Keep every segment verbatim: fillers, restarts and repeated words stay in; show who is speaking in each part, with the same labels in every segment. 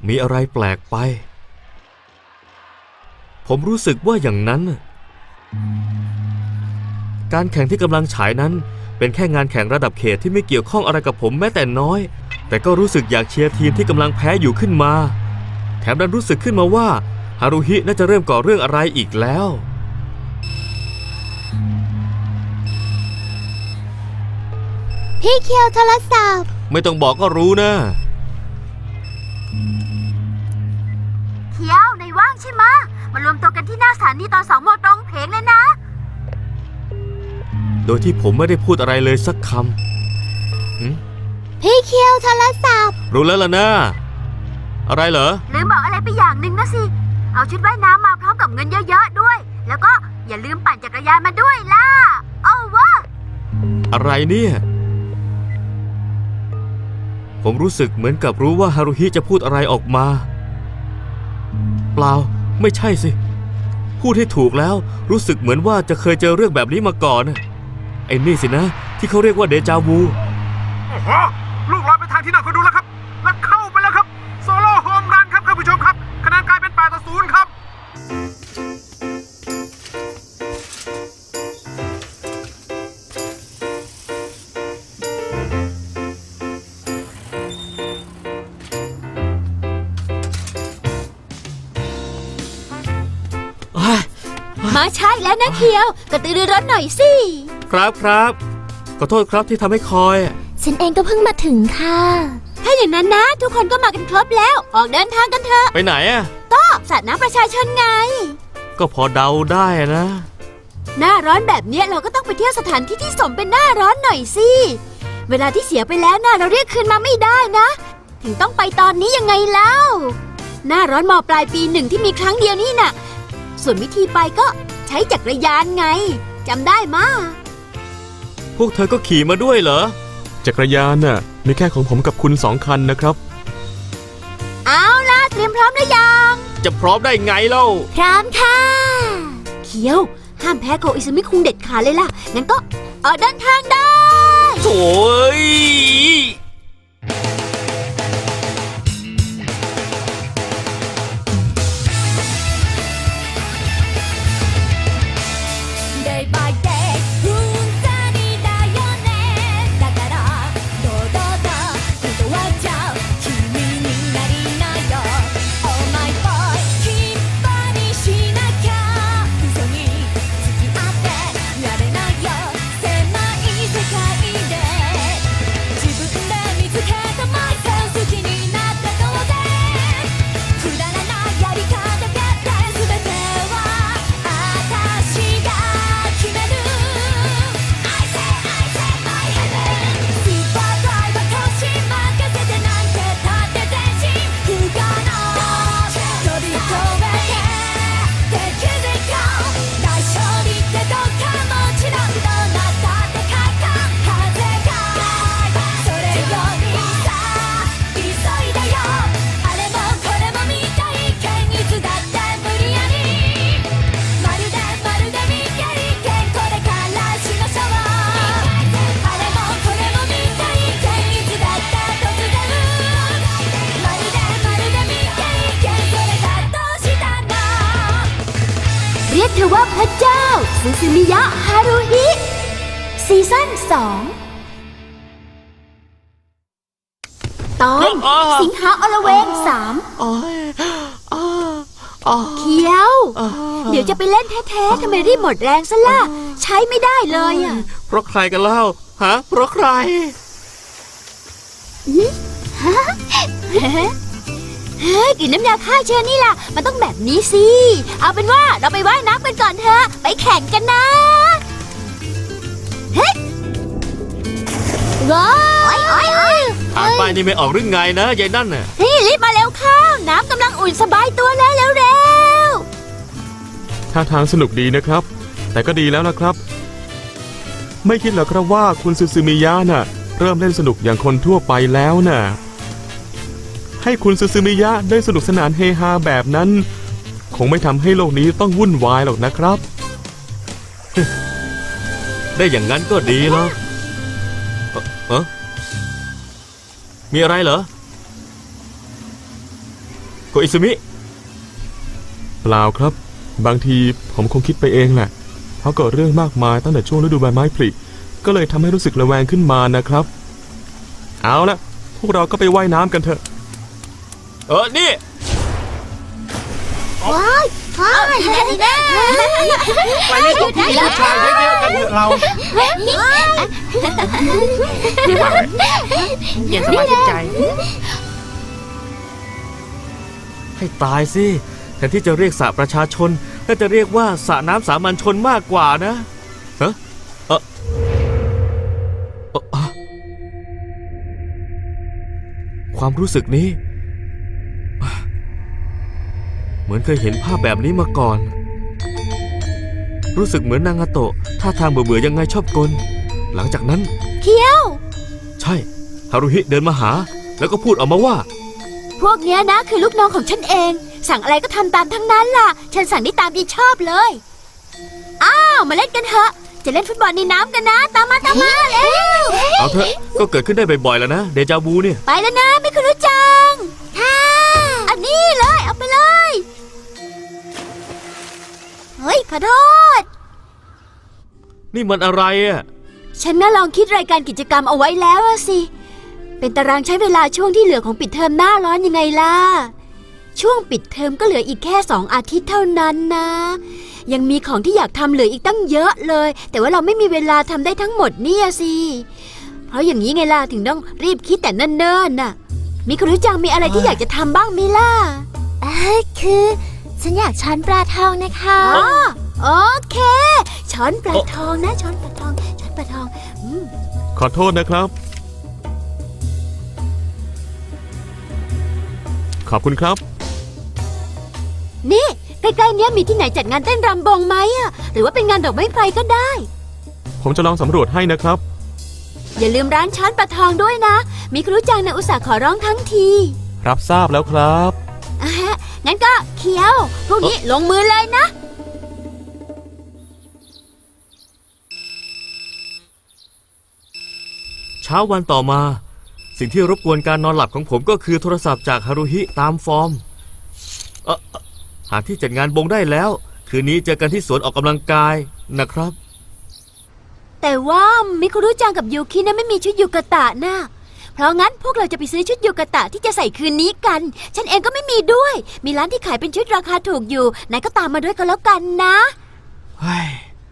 Speaker 1: มีอะไรแปลกไปผมรู้สึกว่าอย่างนั้นการแข่งที่กำลังฉายนั้นเป็นแค่งานแข่งระดับเขตที่ไม่เกี่ยวข้องอะไรกับผมแม้แต่น้อยแต่ก็รู้สึกอยากเชียร์ทีมที่กำลังแพ้อยู่ขึ้นมาแถมดันรู้สึกขึ้นมาว่าฮารุฮิน่าจะเริ่มก่อเรื่องอะไรอีกแล้ว
Speaker 2: พี่เคียวโทรศัพท์
Speaker 1: ไม่ต้องบอกก็รู้นะ
Speaker 2: เคียวในว่างใช่ไหมมารวมตัวกันที่หน้าสถานีตอนสองโมงตรงเพลงเลยนะ
Speaker 1: โดยที่ผมไม่ได้พูดอะไรเลยสักคำ
Speaker 2: พี่เคียวโทรศัพท์
Speaker 1: รู้แล้วล่ะนะอะไรเหรอ
Speaker 2: ลืมบอกอะไรไปอย่างหนึ่งนะสิเอาชุดว่ายน้ำมาพร้อมกับเงินเยอะๆด้วยแล้วก็อย่าลืมปั่นจักรยานมาด้วยล่ะเอาวะ
Speaker 1: อะไรเนี่ยผมรู้สึกเหมือนกับรู้ว่าฮารุฮิจะพูดอะไรออกมาเปล่าไม่ใช่สิพูดให้ถูกแล้วรู้สึกเหมือนว่าจะเคยเจอเรื่องแบบนี้มาก่อนไอ้นี่สินะที่เขาเรียกว่าเดจาวู
Speaker 3: โอ้โหลูกลอยไปทางที่น่าคนดูแล้วครับแล้วเข้าไปแล้วครับโซโล่โฮมรันครับท่านผู้ชมครับคะแนนกลายเป็นแปดต่อศูนย์ครับ
Speaker 2: มาใช่แล้วนะเคียวกระตือรือร้นหน่อยสิ
Speaker 1: ครับครับขอโทษครับที่ทำให้คอย
Speaker 2: ฉันเองก็เพิ่งมาถึงค่ะถ้าอย่างนั้นนะทุกคนก็มากันครบแล้วออกเดินทางกันเถอะ
Speaker 1: ไปไหนอ่ะ
Speaker 2: ก็สระน้ำประชาชนไง
Speaker 1: ก็พอเดาได้นะ
Speaker 2: หน้าร้อนแบบนี้เราก็ต้องไปเที่ยวสถานที่ที่สมเป็นหน้าร้อนหน่อยสิเวลาที่เสียไปแล้วนะเราเรียกคืนมาไม่ได้นะถึงต้องไปตอนนี้ยังไงเล่าหน้าร้อนม.ปลายปีหนึ่งที่มีครั้งเดียวนี่น่ะส่วนวิธีไปก็ใช้จักรยานไงจำได้มา
Speaker 1: พวกเธอก็ขี่มาด้วยเหรอ
Speaker 4: จักรยานน่ะมีแค่ของผมกับคุณสองคันนะครับ
Speaker 2: เอาล่ะเตรียมพร้อมหรือยัง
Speaker 1: จะพร้อมได้ไงเล่า
Speaker 2: พร้อมค่ะเคียวห้ามแพ้โกอิซึมิคุงเด็ดขาดเลยล่ะงั้นก็เออเดินทางได้
Speaker 1: โถ่ย
Speaker 2: เรียกเธอว่าพระเจ้าซูซูมิยะฮารุฮิซีซั่นสองตอนสิงหาอลเวงสามเคียวเดี๋ยวจะไปเล่นแท้ๆทำไมรีบหมดแรงซะล่ะใช้ไม่ได้เลยอ่ะ
Speaker 1: เพราะใครกันเล่าฮะเพราะใคร
Speaker 2: เฮ้ยกลิ่นน้ำยาฆ่าเชื้อนี่ล่ะมันต้องแบบนี้สิเอาเป็นว่าเราไปว่ายน้ำกันก่อนเถอะไปแข่งกันนะเฮ้ยว้าว
Speaker 1: อ่านป้ายนี่ไม่ออกหรือไงนะยายนั่นน่ะ
Speaker 2: เฮ้ยรีบมาเร็วเข้าน้ำกำลังอุ่นสบายตัวแล้วเร็ว
Speaker 4: ท่าทางสนุกดีนะครับแต่ก็ดีแล้วนะครับไม่คิดเหรอครับว่าคุณซูซูมิยะน่ะเริ่มเล่นสนุกอย่างคนทั่วไปแล้วน่ะให้คุณซูซูมิยะได้สนุกสนานเฮฮาแบบนั้นคงไม่ทำให้โลกนี้ต้องวุ่นวายหรอกนะครับ
Speaker 1: ได้อย่างนั้นก็ดีแล้วเออมีอะไรเหรอโกอิซึมิ
Speaker 4: เปล่าครับ บางทีผมคงคิดไปเองแหละเพราะเกิดเรื่องมากมายตั้งแต่ช่วงฤดูใบไม้ผลิก็เลยทำให้รู้สึกระแวงขึ้นมานะครับ เอาละพวกเราก็ไปว่ายน้ำกันเถอะ
Speaker 1: เออ นี่
Speaker 2: ว้ายว้ายแน่แน่
Speaker 3: ไปเล่นตรงที่มีผู้ชายเยอะๆกันเถอะเรา
Speaker 5: เย็นสบายชื่นใจ
Speaker 1: ให้ตายสิแทนที่จะเรียกสระประชาชนน่าจะเรียกว่าสระน้ำสามัญชนมากกว่านะฮะเออเอ่ออะความรู้สึกนี้ เหมือนเคยเห็นภาพแบบนี้มาก่อน รู้สึกเหมือนนางาโตะท่าทางเบื่อๆยังไงชอบกล หลังจากนั้น
Speaker 2: เคี้ยว
Speaker 1: ใช่ฮารุฮิเดินมาหา แล้วก็พูดออกมาว่า
Speaker 2: พวกเนี้ยนะคือลูกน้องของฉันเอง สั่งอะไรก็ทำตามทั้งนั้นล่ะ ฉันสั่งได้ตามที่ชอบเลย อ้าวมาเล่นกันเถอะ จะเล่นฟุตบอลในน้ำกันนะ ตามมาตามมาเร็ว
Speaker 1: เอาเถอะก็เกิดขึ้นได้บ่อยๆแล้วนะเดจาวูเนี่ย
Speaker 2: ไปแล้วนะไม่คุณรู้จังค่ะอันนี้เลยเอาไปเลย เฮ้ยขอโทษ
Speaker 1: นี่มันอะไรอ่ะ
Speaker 2: ฉันน่าลองคิดรายการกิจกรรมเอาไว้แล้วอะสิ เป็นตารางใช้เวลาช่วงที่เหลือของปิดเทอมหน้าร้อนยังไงล่ะ ช่วงปิดเทอมก็เหลืออีกแค่สองอาทิตย์เท่านั้นนะ ยังมีของที่อยากทำเหลืออีกตั้งเยอะเลย แต่ว่าเราไม่มีเวลาทำได้ทั้งหมดเนี่ยสิ เพราะอย่างนี้ไงล่ะถึงต้องรีบคิดแต่เนิ่นๆน่ะ มีคุณรู้จังมีอะไรที่อยากจะทำบ้างมิล่ะ
Speaker 6: เออคือฉันอยากช้อนปลาทองนะคะ
Speaker 2: อ๋อโอเค ช้อนปลาทองนะ ช้อนปลาทอง ช้อนปลาทองอืม
Speaker 4: ขอโทษนะครับ ขอบคุณครับ
Speaker 2: นี่ใกล้ๆเนี้ยมีที่ไหนจัดงานเต้นรำบงไหมอะหรือว่าเป็นงานดอกไม้ไฟก็ได้
Speaker 4: ผมจะลองสำรวจให้นะครับ
Speaker 2: อย่าลืมร้านช้อนปลาทองด้วยนะ มีครูจังนะอุตส่าห์ขอร้องทั้งที
Speaker 4: รับทราบแล้วครับ
Speaker 2: อ่ะฮะงั้นก็เคี้ยว พวกนี้ลงมือเลยนะ
Speaker 1: เช้าวันต่อมา สิ่งที่รบกวนการนอนหลับของผมก็คือโทรศัพท์จากฮารุฮิตามฟอร์ม เออเอ่อหาที่จัดงานบงได้แล้ว คืนนี้เจอกันที่สวนออกกำลังกายนะครับ
Speaker 2: แต่ว่ามิคุรุจังกับยูคินะไม่มีชุดยูกะตะนะเพราะงั้นพวกเราจะไปซื้อชุดยูกะตะที่จะใส่คืนนี้กัน ฉันเองก็ไม่มีด้วย มีร้านที่ขายเป็นชุดราคาถูกอยู่นายก็ตามมาด้วยก็แล้วกันนะ
Speaker 1: เฮ้ย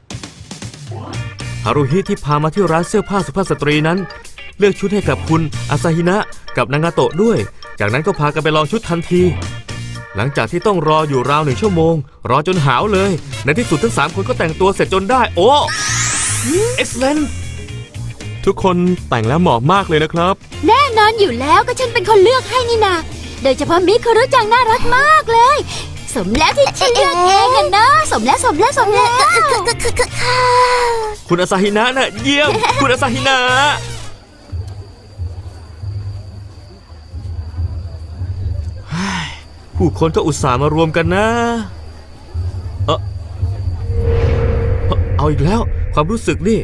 Speaker 1: ฮารุฮิที่พามาที่ร้านเสื้อผ้าสุภาพสตรีนั้น เลือกชุดให้กับคุณอาซาฮินะกับนางาโตะด้วย จากนั้นก็พากันไปลองชุดทันที หลังจากที่ต้องรออยู่ราวหนึ่งชั่วโมง รอจนหาวเลย ในที่สุดทั้งสามคนก็แต่งตัวเสร็จจนได้ โอ้ excellent
Speaker 4: ทุกคนแต่งแล้วเหมาะมากเลยนะครับ
Speaker 2: แน่นอนอยู่แล้วก็ฉันเป็นคนเลือกให้นี่นาโดยเฉพาะมิคุรุจังน่ารักมากเลย สมแล้วที่ฉันเลือกเองอะนะสมแล้วสมแล้วสมแล้ว
Speaker 1: คุณอาซาฮินะน่ะเยี่ยม คุณอาซาฮินะเฮ้ยผู้คนก็อุตส่าห์มารวมกันนะ เออเอ่อเอาอีกแล้ว ความรู้สึกนี่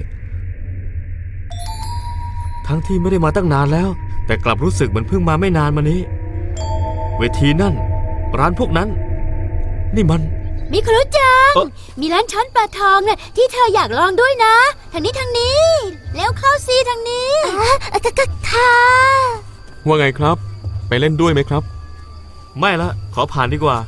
Speaker 1: ทั้งที่ไม่ได้มาตั้งนานแล้ว แต่กลับรู้สึกเหมือนเพิ่งมาไม่นานมานี้ เวทีนั่น ร้านพวกนั้น นี่มัน
Speaker 2: มิคุรุจัง
Speaker 1: เอ่อ
Speaker 2: มีร้านช้อนปลาทองน่ะที่เธออยากลองด้วยนะ ทางนี้ทางนี้ แล้วเข้าซีทางนี้
Speaker 6: ค่ะ
Speaker 4: ว่าไงครับ ไปเล่นด้วยไหมครับ
Speaker 1: ไม่ละ ขอผ่านดีกว่า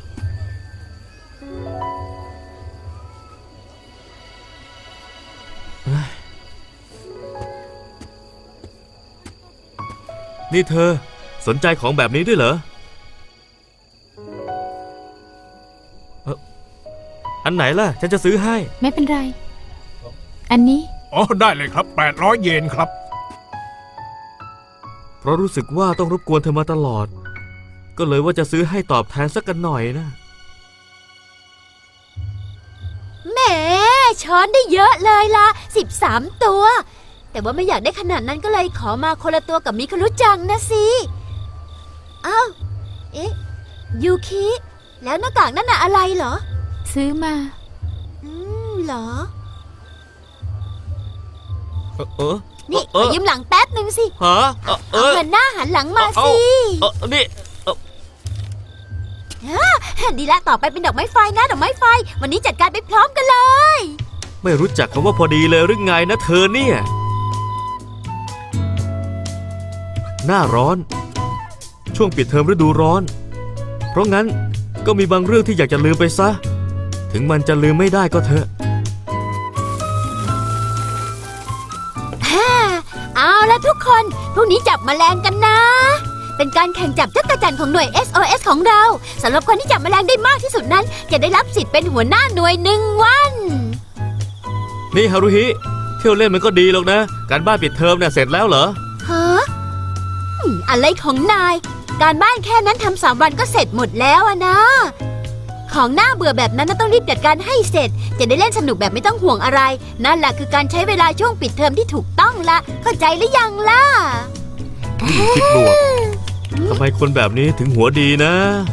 Speaker 1: นี่เธอสนใจของแบบนี้ด้วยเหรอเอ่ออันไหนล่ะ ฉันจะซื้อให้
Speaker 6: ไม่เป็นไร อันนี้
Speaker 3: อ๋อ ได้เลยครับ แปดร้อย เยนครับ
Speaker 1: เพราะรู้สึกว่าต้องรบกวนเธอมาตลอด ก็เลยว่าจะซื้อให้ตอบแทนสักกันหน่อยนะ
Speaker 2: แหมช้อนได้เยอะเลยล่ะสิบสามตัว แต่ว่าไม่อยากได้ขนาดนั้นก็เลยขอมาคนละตัวกับมิคุรุจังนะสิอ้าวเอ๊ะยูคิแล้วหน้ากากนั่นน่ะอะไรเหรอ
Speaker 6: ซื้อมา
Speaker 2: อืมเหรอ
Speaker 1: เออเออ
Speaker 2: นี่
Speaker 1: เอ
Speaker 2: ขอ
Speaker 1: อ
Speaker 2: ยืมหลังแป๊บหนึ่งสิ
Speaker 1: ฮะเออเอ
Speaker 2: เอา
Speaker 1: อ
Speaker 2: เงินหน้าหันหลังมา
Speaker 1: เอา
Speaker 2: สิ
Speaker 1: เออนี่เออ
Speaker 2: ดีละต่อไปเป็นดอกไม้ไฟนะดอกไม้ไฟ วันนี้จัดการไปพร้อมกันเลย
Speaker 1: ไม่รู้จักคำว่าพอดีเลยหรือไงนะเธอเนี่ย หน้าร้อน ช่วงปิดเทอมฤดูร้อน เพราะงั้นก็มีบางเรื่องที่อยากจะลืมไปซะ ถึงมันจะลืมไม่ได้ก็เถอะ
Speaker 2: เอาละทุกคน พรุ่งนี้จับแมลงกันนะ เป็นการแข่งจับจักรจั่นของหน่วย เอส โอ เอส ของเราสำหรับคนที่จับแมลงได้มากที่สุดนั้น จะได้รับสิทธิ์เป็นหัวหน้าหน่วยหนึ่งวัน
Speaker 1: นี่ฮารุฮิเที่ยวเล่นมันก็ดีหรอกนะ การบ้านปิดเทอมเนี่ยเสร็จแล้วเหรอ
Speaker 2: ฮะอืมอะไรของนาย การบ้านแค่นั้นทำสามวันก็เสร็จหมดแล้วอะนะ ของหน้าเบื่อแบบนั้นน่ะต้องรีบจัดการให้เสร็จ จะได้เล่นสนุกแบบไม่ต้องห่วงอะไร นั่นแหละคือการใช้เวลาช่วงปิดเทอมที่ถูกต้องละเข้าใจหรือยังล่ะ
Speaker 1: คิดบวก ทำไมคนแบบนี้ถึงหัวดีนะ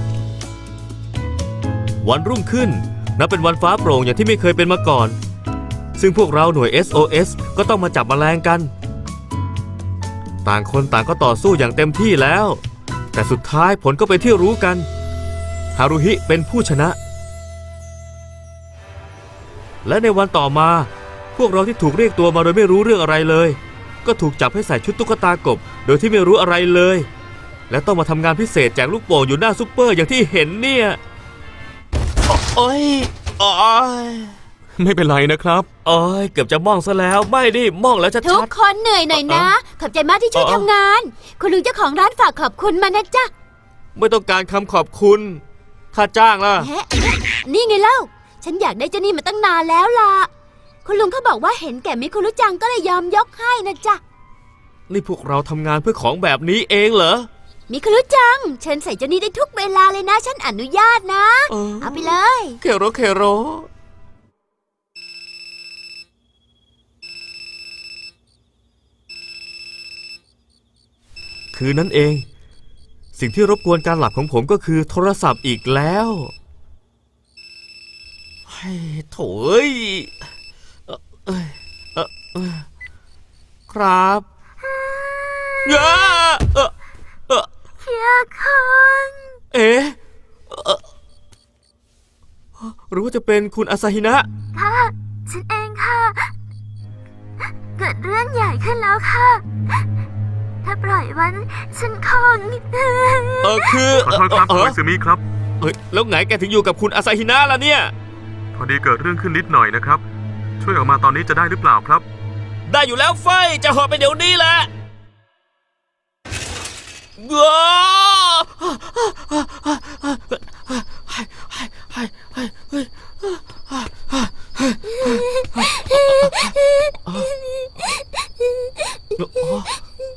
Speaker 1: วันรุ่งขึ้นนับเป็นวันฟ้าโปร่งอย่างที่ไม่เคยเป็นมาก่อน ซึ่งพวกเราหน่วย เอส โอ เอส ก็ต้องมาจับแมลงกัน ต่างคนต่างก็ต่อสู้อย่างเต็มที่แล้ว แต่สุดท้ายผลก็เป็นที่รู้กัน ฮารุฮิเป็นผู้ชนะ และในวันต่อมา พวกเราที่ถูกเรียกตัวมาโดยไม่รู้เรื่องอะไรเลย ก็ถูกจับให้ใส่ชุดตุ๊กตากบโดยที่ไม่รู้อะไรเลย และต้องมาทำงานพิเศษแจกลูกโป่งอยู่หน้าซุปเปอร์อย่างที่เห็นเนี่ยโอ้ยโอ้ย
Speaker 4: ไม่เป็นไรนะครับ
Speaker 1: โอ้ยเกือบจะมองซะแล้วไม่ดิมองแล้วชัด
Speaker 2: ทุกคนเหนื่อยหน่อยนะ ขอบใจมากที่ช่วยทำงาน คุณลุงเจ้าของร้านฝากขอบคุณมานะจ๊ะ
Speaker 1: ๆไม่ต้องการคำขอบคุณค่าจ้างล่ะ
Speaker 2: แฮะนี่ไงเล่า ฉันอยากได้เจ้านี่มาตั้งนานแล้วล่ะ คุณลุงเขาบอกว่าเห็นแก่มิคุรุจังก็เลยยอมยกให้นะจ๊ะ
Speaker 1: นี่พวกเราทำงานเพื่อของแบบนี้เองเหรอ
Speaker 2: มิคุรุจัง เชิญใส่เจ้านี่ได้ทุกเวลาเลยนะ ฉันอนุญาตนะ
Speaker 1: เออ
Speaker 2: เอาไปเลย
Speaker 1: เคโรเคโรคืนนั้นเอง สิ่งที่รบกวนการหลับของผมก็คือโทรศัพท์อีกแล้วเฮ้ยโถ่เอ้ยเอ่อเอ้ยเอ่อเอ้ยครับเอ้อเอ่อเอ่อ
Speaker 6: เคียคัง
Speaker 1: เอ๊ะเอ่อหรือว่าจะเป็นคุณอาซาฮินะ
Speaker 6: ค่ะ ฉันเองค่ะ เกิดเรื่องใหญ่ขึ้นแล้วค่ะ ถ้าปล่อยไวันฉันคง
Speaker 1: เออคือ
Speaker 3: ขอโทษครับ
Speaker 1: เอ
Speaker 3: คุ
Speaker 1: อ
Speaker 3: ณซึมิครับ
Speaker 1: เอ้ยแล้วไงแกถึงอยู่กับคุณอาซาฮินะล่ะเนี่ย
Speaker 3: พอดีเกิดเรื่องขึ้นนิดหน่อยนะครับ ช่วยออกมาตอนนี้จะได้หรือเปล่าครับ
Speaker 1: ได้อยู่แล้วไฟจะหอบไปเดี๋ยวนี้แหละว้า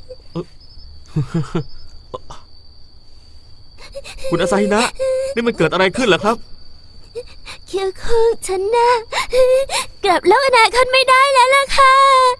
Speaker 1: คุณอาซาฮินะ นี่มันเกิดอะไรขึ้นเหรอครับ
Speaker 6: เคียคังฉันน่ะกลับโลกอนาคตไม่ได้แล้วล่ะค่ะ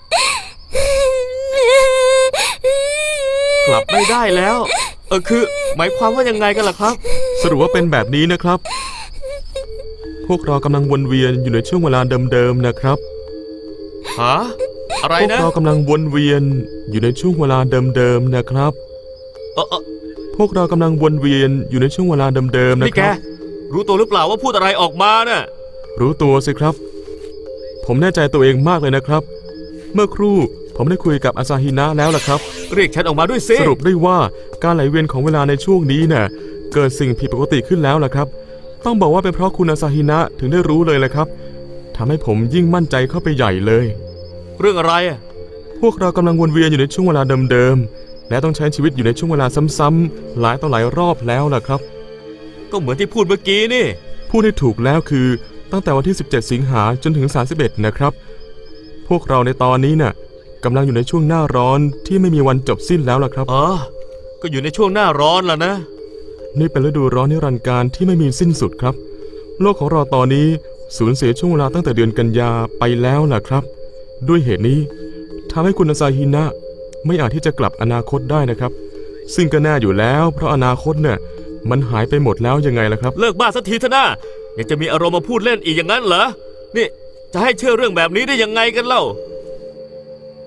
Speaker 1: กลับไม่ได้แล้ว เออคือหมายความว่ายังไงกันล่ะครับ
Speaker 4: สรุปว่าเป็นแบบนี้นะครับ พวกเรากำลังวนเวียนอยู่ในช่วงเวลาเดิมๆนะครับ
Speaker 1: ฮะ อะไร
Speaker 4: พวก
Speaker 1: นะ
Speaker 4: เรากำลังวนเวียนอยู่ในช่วงเวลาเดิมๆนะครับ
Speaker 1: เออเออ
Speaker 4: พวกเรากำลังวนเวียนอยู่ในช่วงเวลาเดิมๆนะ
Speaker 1: นี่
Speaker 4: ค
Speaker 1: แก
Speaker 4: รับ
Speaker 1: รู้ตัวหรือเปล่าว่าพูดอะไรออกมาน่ะ
Speaker 4: รู้ตัวสิครับ ผมแน่ใจตัวเองมากเลยนะครับ เมื่อครู่ผมได้คุยกับอาซาฮินะแล้วล่ะครับ
Speaker 1: เรียกฉันออกมาด้วยสิ
Speaker 4: สรุปได้ว่าการไหลเวียนของเวลาในช่วงนี้เนี่ยเกิดสิ่งผิดปกติขึ้นแล้วล่ะครับ ต้องบอกว่าเป็นเพราะคุณอาซาฮินะถึงได้รู้เลยแหละครับทำให้ผมยิ่งมั่นใจเข้าไปใหญ่เลย
Speaker 1: เรื่องอะไรอ่ะ
Speaker 4: พวกเรากำลังวนเวียนอยู่ในช่วงเวลาเดิมๆและต้องใช้ชีวิตอยู่ในช่วงเวลาซ้ำๆหลายต่อหลายรอบแล้วล่ะครับ
Speaker 1: ก็เหมือนที่พูดเมื่อกี้นี่
Speaker 4: พูดให้ถูกแล้วคือตั้งแต่วันที่สิบเจ็ดสิงหาจนถึงสามสิบเอ็ดนะครับพวกเราในตอนนี้น่ะกำลังอยู่ในช่วงหน้าร้อนที่ไม่มีวันจบสิ้นแล้วล่ะครับ
Speaker 1: อ๋อ ก็อยู่ในช่วงหน้าร้อนแล้วนะ
Speaker 4: นี่เป็นฤดูร้อนนิรันดร์การที่ไม่มีสิ้นสุดครับ โลกของเราตอนนี้สูญเสียช่วงเวลาตั้งแต่เดือนกันยาไปแล้วล่ะครับ ด้วยเหตุนี้ทำให้คุณอาซาฮินะไม่อาจที่จะกลับอนาคตได้นะครับ ซึ่งก็แน่อยู่แล้วเพราะอนาคตเนี่ยมันหายไปหมดแล้วยังไงล่ะครับ
Speaker 1: เลิกบ้าสักทีเถอะนะยังจะมีอารมณ์มาพูดเล่นอีกอย่างนั้นเหรอ นี่จะให้เชื่อเรื่องแบบนี้ได้ยังไงกันเล่า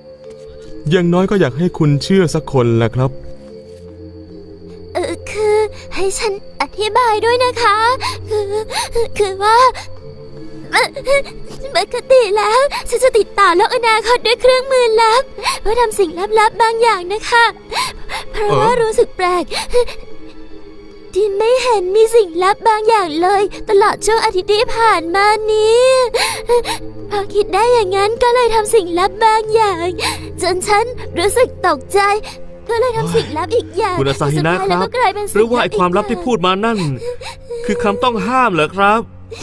Speaker 4: อย่างน้อยก็อยากให้คุณเชื่อสักคนแหละครับ
Speaker 6: เออคือให้ฉันอธิบายด้วยนะคะ คือคือว่าปกติแล้วฉันจะติดต่อโลกอนาคตด้วยเครื่องมือลับเพื่อทำสิ่งลับๆบางอย่างนะคะ เพราะว่ารู้สึกแปลกที่ไม่เห็นมีสิ่งลับบางอย่างเลย ตลอดช่วงอาทิตย์ที่ผ่านมานี้พอคิดได้อย่างนั้นก็เลยทำสิ่งลับบางอย่าง จนฉันรู้สึกตกใจ ก็เลยทำสิ่งลับอีกอย่าง
Speaker 1: คุณอาซาฮินะ
Speaker 6: สุดท้ย
Speaker 1: ค
Speaker 6: แล้ว
Speaker 1: รับ
Speaker 6: ก็กลายเป็น
Speaker 1: หรือว่าไอ้ความลับที่พูดมานั่น คือคำต้องห้ามเหรอครับ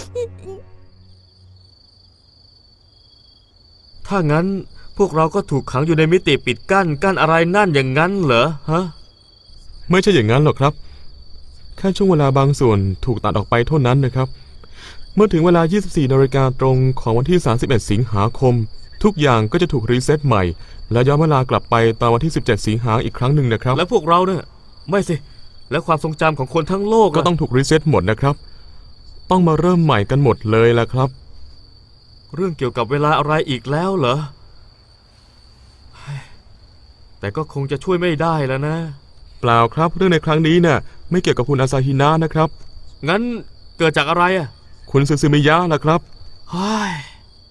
Speaker 1: ถ้างั้นพวกเราก็ถูกขังอยู่ในมิติปิดกั้นกั้นอะไรนั่นอย่างนั้นเหรอฮะ
Speaker 4: ไม่ใช่อย่างนั้นหรอกครับ แค่ช่วงเวลาบางส่วนถูกตัดออกไปเท่านั้นนะครับ เมื่อถึงเวลา ยี่สิบสี่นาฬิกาตรงของวันที่ สามสิบเอ็ด สิงหาคม ทุกอย่างก็จะถูกรีเซ็ตใหม่ และย้อนเวลากลับไปตอนวันที่ สิบเจ็ด สิงหาอีกครั้งหนึ่งนะครับ
Speaker 1: แล้วพวกเราเนี่ยไม่สิ แล้วความทรงจำของคนทั้งโลก
Speaker 4: ก็ต้องถูกรีเซ็ตหมดนะครับ ต้องมาเริ่มใหม่กันหมดเลยละครับ
Speaker 1: เรื่องเกี่ยวกับเวลาอะไรอีกแล้วเหรอเฮ้ยแต่ก็คงจะช่วยไม่ได้แล้วนะ
Speaker 4: เปล่าครับเรื่องในครั้งนี้เนี่ยไม่เกี่ยวกับคุณอาซาฮินะนะครับ
Speaker 1: งั้นเกิดจากอะไรอ่ะ
Speaker 4: คุณซูซูมิยะล่ะครับ
Speaker 1: เฮ้ย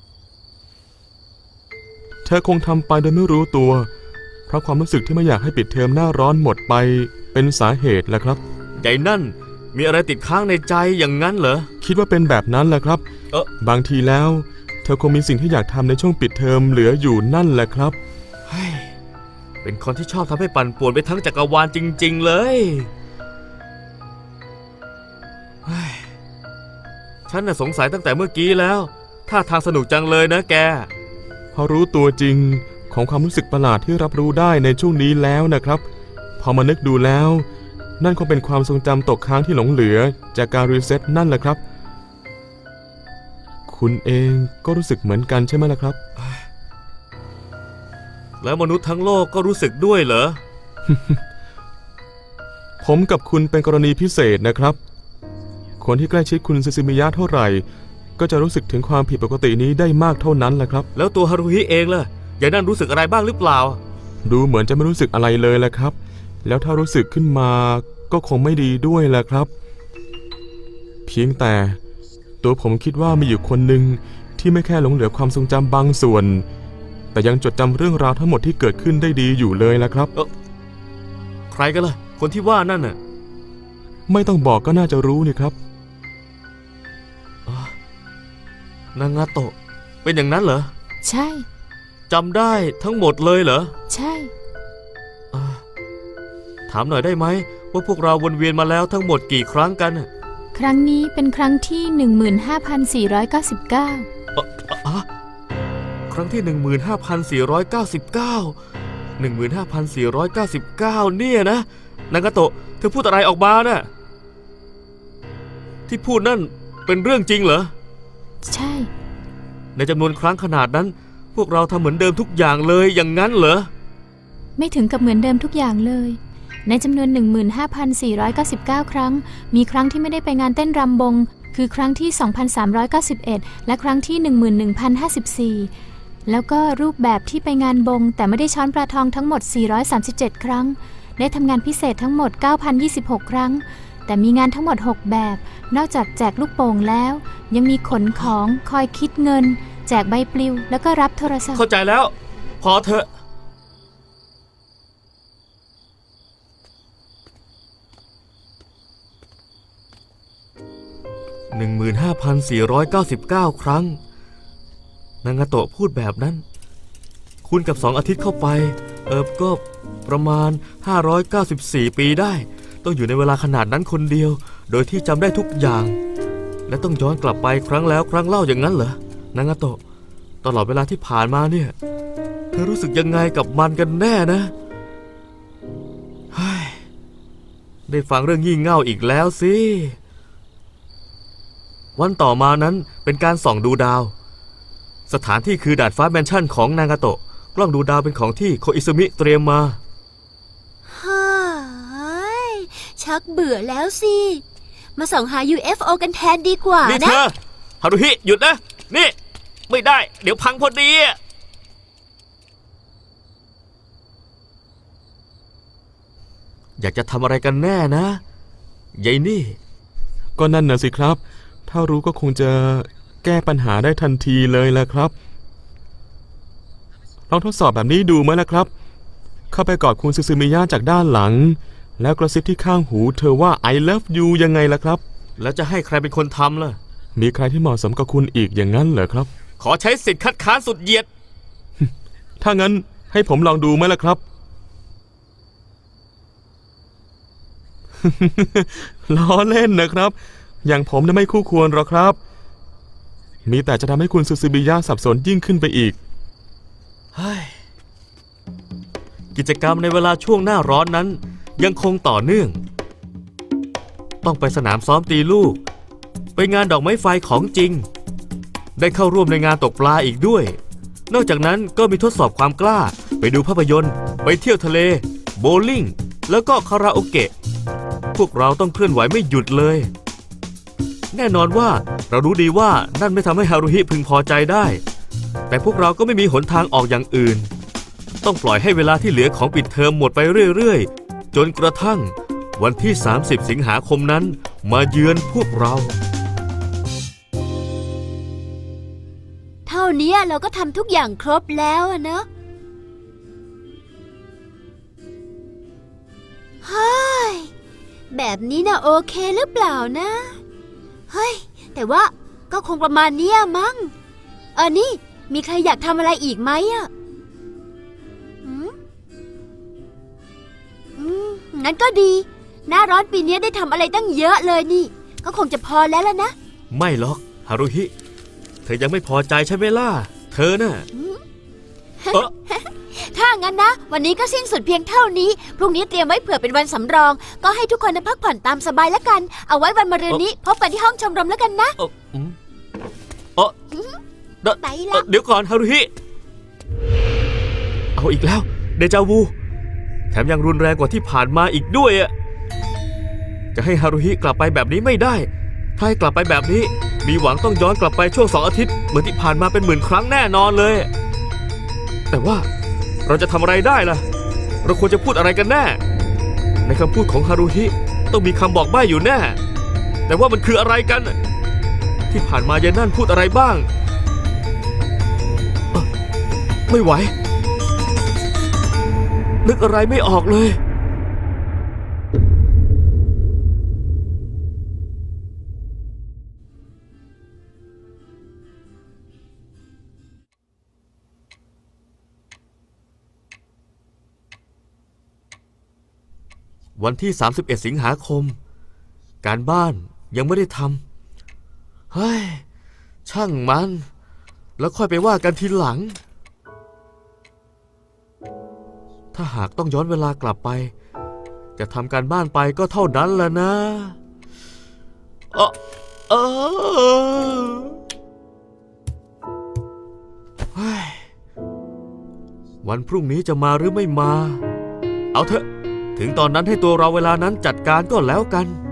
Speaker 4: เธอคงทำไปโดยไม่รู้ตัว เพราะความรู้สึกที่ไม่อยากให้ปิดเทอมหน้าร้อนหมดไปเป็นสาเหตุแหละครับ
Speaker 1: ใหญ่นั่นมีอะไรติดค้างในใจอย่างนั้นเหรอ
Speaker 4: คิดว่าเป็นแบบนั้นแหละครับ
Speaker 1: เอ๊ะ
Speaker 4: บางทีแล้ว เธอคงมีสิ่งที่อยากทำในช่วงปิดเทอมเหลืออยู่นั่นแหละครับ
Speaker 1: เฮ้ยเป็นคนที่ชอบทำให้ปั่นป่วนไปทั้งจักรวาลจริงๆเลยเฮ้ยฉันน่ะสงสัยตั้งแต่เมื่อกี้แล้วท่าทางสนุกจังเลยนะแก
Speaker 4: พอรู้ตัวจริงของความรู้สึกประหลาดที่รับรู้ได้ในช่วงนี้แล้วนะครับ พอมานึกดูแล้ว นั่นคงเป็นความทรงจำตกค้างที่หลงเหลือจากการรีเซ็ตนั่นแหละครับ คุณเองก็รู้สึกเหมือนกันใช่ไหมล่ะครับ
Speaker 1: แล้วมนุษย์ทั้งโลกก็รู้สึกด้วยเหรอ
Speaker 4: ผมกับคุณเป็นกรณีพิเศษนะครับ คนที่ใกล้ชิดคุณซูซูมิยะเท่าไหร่ ก็จะรู้สึกถึงความผิดปกตินี้ได้มากเท่านั้นแหละครับ
Speaker 1: แล้วตัวฮารุฮิเองล่ะยายนั่นรู้สึกอะไรบ้างหรือเปล่า
Speaker 4: ดูเหมือนจะไม่รู้สึกอะไรเลยแหละครับ แล้วถ้ารู้สึกขึ้นมาก็คงไม่ดีด้วยแหละครับ เพียงแต่ตัวผมคิดว่ามีอยู่คนหนึ่งที่ไม่แค่หลงเหลือความทรงจำบางส่วน แต่ยังจดจำเรื่องราวทั้งหมดที่เกิดขึ้นได้ดีอยู่เลยละครับ
Speaker 1: ใครกันล่ะ คนที่ว่านั่นน่ะ
Speaker 4: ไม่ต้องบอกก็น่าจะรู้นี่ครับ
Speaker 1: นางาโตะเป็นอย่างนั้นเหรอ
Speaker 2: ใช่
Speaker 1: จำได้ทั้งหมดเลยเหรอ
Speaker 2: ใช่
Speaker 1: อ่าถามหน่อยได้ไหมว่าพวกเราวนเวียนมาแล้วทั้งหมดกี่ครั้งกันน่ะ
Speaker 2: ครั้งนี้เป็นครั้งที่ หนึ่งหมื่นห้าพันสี่ร้อยเก้าสิบเก้า
Speaker 1: อ่ะอ่ะครั้งที่ หนึ่งหมื่นห้าพันสี่ร้อยเก้าสิบเก้า หนึ่งหมื่นห้าพันสี่ร้อยเก้าสิบเก้า เนี่ยนะนางาโตะเธอพูดอะไรออกมาน่ะที่พูดนั่นเป็นเรื่องจริงเหรอ
Speaker 2: ใช่
Speaker 1: ในจำนวนครั้งขนาดนั้น พวกเราทำเหมือนเดิมทุกอย่างเลยอย่างนั้นเหรอ
Speaker 2: ไม่ถึงกับเหมือนเดิมทุกอย่างเลย ในจำนวน หนึ่งหมื่นห้าพันสี่ร้อยเก้าสิบเก้า ครั้ง มีครั้งที่ไม่ได้ไปงานเต้นรำบง คือครั้งที่ สองพันสามร้อยเก้าสิบเอ็ด และครั้งที่ หนึ่งหมื่นหนึ่งพันห้าสิบสี่ แล้วก็รูปแบบที่ไปงานบง แต่ไม่ได้ช้อนปลาทองทั้งหมด สี่ร้อยสามสิบเจ็ด ครั้ง ได้ทำงานพิเศษทั้งหมด เก้าพันยี่สิบหก ครั้ง แต่มีงานทั้งหมด หก แบบ นอกจากแจกลูกโป่งแล้ว ยังมีขนของ คอยคิดเงิน แจกใบปลิว แล้วก็รับโทรศัพท์
Speaker 1: เข้าใจแล้ว พอเถอะ หนึ่งหมื่นห้าพันสี่ร้อยเก้าสิบเก้า ครั้ง นางาโตะพูดแบบนั้น คูณกับสองอาทิตย์เข้าไป เออก็ประมาณ ห้าร้อยเก้าสิบสี่ ปีได้ ต้องอยู่ในเวลาขนาดนั้นคนเดียว โดยที่จำได้ทุกอย่าง และต้องย้อนกลับไปครั้งแล้วครั้งเล่าอย่างนั้นเหรอนางาโตะตลอดเวลาที่ผ่านมาเนี่ยเธอรู้สึกยังไงกับมันกันแน่นะเฮ้ยได้ฟังเรื่องงี่เง่าอีกแล้วสิวันต่อมานั้นเป็นการส่องดูดาว สถานที่คือดาดฟ้าแมนชั่นของนางาโตะกล้องดูดาวเป็นของที่โคอิซุมิเตรียมมา
Speaker 6: ฮ่าชักเบื่อแล้วสิ มาส่องหา ยู เอฟ โอ กันแทนดีกว่า
Speaker 1: นี่เธ
Speaker 6: นะ
Speaker 1: อฮารุฮิหยุดนะนี่ไม่ได้เดี๋ยวพังพอดีอะอยากจะทำอะไรกันแน่นะยายนี่
Speaker 4: ก็นั่นน่ะสิครับ ถ้ารู้ก็คงจะแก้ปัญหาได้ทันทีเลยแหละครับ ลองทดสอบแบบนี้ดูไหมล่ะครับ เข้าไปกอดคุณซูซูมิยะจากด้านหลัง แล้วกระซิบที่ข้างหูเธอว่า I love you ยังไงล่ะครับ
Speaker 1: แล้วจะให้ใครเป็นคนทำล่ะ
Speaker 4: มีใครที่เหมาะสมกับคุณอีกอย่างนั้นเหรอครับ
Speaker 1: ขอใช้สิทธิ์คัดค้านสุดเหยียด
Speaker 4: ถ้างั้นให้ผมลองดูไหมล่ะครับ ล้อเล่นนะครับ อย่างผมน่ะไม่คู่ควรหรอกครับ มีแต่จะทำให้คุณซูซูมิยะสับสนยิ่งขึ้นไปอีก
Speaker 1: เฮ้ย กิจกรรมในเวลาช่วงหน้าร้อนนั้นยังคงต่อเนื่อง ต้องไปสนามซ้อมตีลูก ไปงานดอกไม้ไฟของจริง ได้เข้าร่วมในงานตกปลาอีกด้วย นอกจากนั้นก็มีทดสอบความกล้า ไปดูภาพยนตร์ ไปเที่ยวทะเล โบว์ลิ่ง แล้วก็คาราโอเกะ พวกเราต้องเคลื่อนไหวไม่หยุดเลย แน่นอนว่าเรารู้ดีว่านั่นไม่ทำให้ฮารุฮิพึงพอใจได้ แต่พวกเราก็ไม่มีหนทางออกอย่างอื่น ต้องปล่อยให้เวลาที่เหลือของปิดเทอมหมดไปเรื่อยๆ จนกระทั่งวันที่ สามสิบ สิงหาคมนั้นมาเยือนพวกเรา
Speaker 2: เท่านี้เราก็ทำทุกอย่างครบแล้วอะเนอะเฮ้ยแบบนี้นะโอเคหรือเปล่านะ เฮ้ย แต่ว่าก็คงประมาณเนี้ยมั้งเออนี่มีใครอยากทำอะไรอีกไหมอะอืมอืมงั้นก็ดี หน้าร้อนปีนี้ได้ทำอะไรตั้งเยอะเลยนี่ ก็คงจะพอแล้วล่ะนะ
Speaker 1: ไม่หรอกฮารุฮิ เธอยังไม่พอใจใช่ไหมล่ะ เธอน่ะเออ
Speaker 2: ถ้างั้นนะ วันนี้ก็สิ้นสุดเพียงเท่านี้ พรุ่งนี้เตรียมไว้เผื่อเป็นวันสำรอง ก็ให้ทุกคนได้พักผ่อนตามสบายแล้วกัน เอาไว้วันมะรืนนี้พบกันที่ห้องชมรมแล้วกันนะ
Speaker 1: เอออืมเออเดี๋ยว
Speaker 2: ไป
Speaker 1: เอ่
Speaker 2: ละ
Speaker 1: อเดี๋ยวก่อนฮารุฮิ เอาอีกแล้ว เดจาวู แถมยังรุนแรงกว่าที่ผ่านมาอีกด้วยอะจะให้ฮารุฮิกลับไปแบบนี้ไม่ได้ ถ้าให้กลับไปแบบนี้ มีหวังต้องย้อนกลับไปช่วงสองอาทิตย์เหมือนที่ผ่านมาเป็นหมื่นครั้งแน่นอนเลย แต่ว่าเราจะทำอะไรได้ล่ะ เราควรจะพูดอะไรกันแน่ ในคำพูดของฮารุฮิต้องมีคำบอกใบ้อยู่แน่ แต่ว่ามันคืออะไรกัน ที่ผ่านมายายนั่นพูดอะไรบ้างเอ่อไม่ไหว นึกอะไรไม่ออกเลย วันที่ สามสิบเอ็ด สิงหาคม การบ้านยังไม่ได้ทำ เฮ้ย ช่างมัน แล้วค่อยไปว่ากันทีหลัง ถ้าหากต้องย้อนเวลากลับไป จะทำการบ้านไปก็เท่านั้นแหละนะ เออเออเฮ้ย วันพรุ่งนี้จะมาหรือไม่มา เอาเถอะ ถึงตอนนั้นให้ตัวเราเวลานั้นจัดการก็แล้วกัน